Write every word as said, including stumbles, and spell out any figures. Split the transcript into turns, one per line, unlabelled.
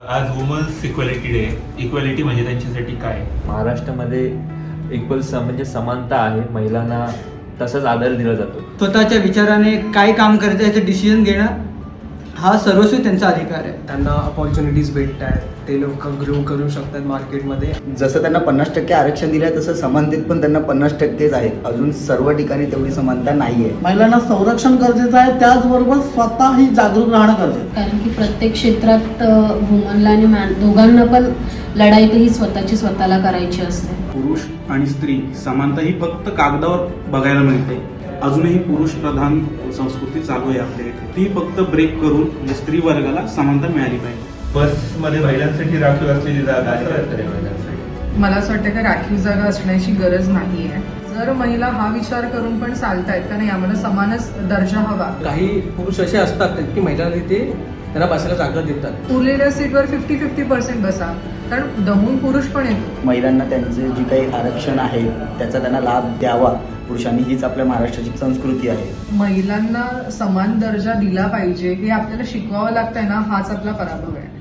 आज women's equality day. Equality म्हणजे त्यांच्यासाठी काय?
महाराष्ट्रामध्ये इक्वल म्हणजे समानता आहे, महिलांना तसाच आदर दिला जातो.
स्वतःच्या विचाराने काय काम करायचं याचं डिसिजन घेणं हा सर्वस्वी त्यांचा अधिकार आहे.
त्यांना अपॉर्च्युनिटीज भेटत आहेत, ते लोक ग्रो करू शकतात मार्केटमध्ये.
जसं त्यांना पन्नास टक्के आरक्षण दिलं आहे तसं समानतेत पण त्यांना पन्नास टक्केच आहे. अजून सर्व ठिकाणी तेवढी समानता नाही आहे.
महिलांना संरक्षण गरजेचं आहे, त्याचबरोबर स्वतःही जागरूक राहणं गरजेचं आहे.
कारण की प्रत्येक क्षेत्रात वुमनला आणि मॅन दोघांना पण लढाई ही स्वतःची स्वतःला करायची असते.
पुरुष आणि स्त्री समानता ही फक्त कागदावर बघायला मिळते. अजूनही पुरुष प्रधान संस्कृती चालू आहे आपल्या इथे. ती फक्त ब्रेक करून म्हणजे स्त्री वर्गाला समानता मिळाली पाहिजे.
बसमध्ये महिलांसाठी राखीव असलेली जागा आहे का महिलांसाठी?
मला असं वाटतं की राखीव जागा असण्याची गरज नाही आहे. जर महिला हा विचार करून पण चालतायत का नाही आम्हाला समानच दर्जा हवा.
काही पुरुष असे असतात की महिलांना तिथे त्यांना बसायला जागा देतात.
उरलेल्या सीटवर फिफ्टी फिफ्टी पर्सेंट बसा, कारण दमून पुरुष पण येतो.
महिलांना त्यांचे जे काही आरक्षण आहे त्याचा त्यांना लाभ द्यावा पुरुषांनी, हीच आपल्या महाराष्ट्राची संस्कृती आहे.
महिलांना समान दर्जा दिला पाहिजे हे आपल्याला शिकवावं लागतंय ना, हाच आपला पराभव आहे.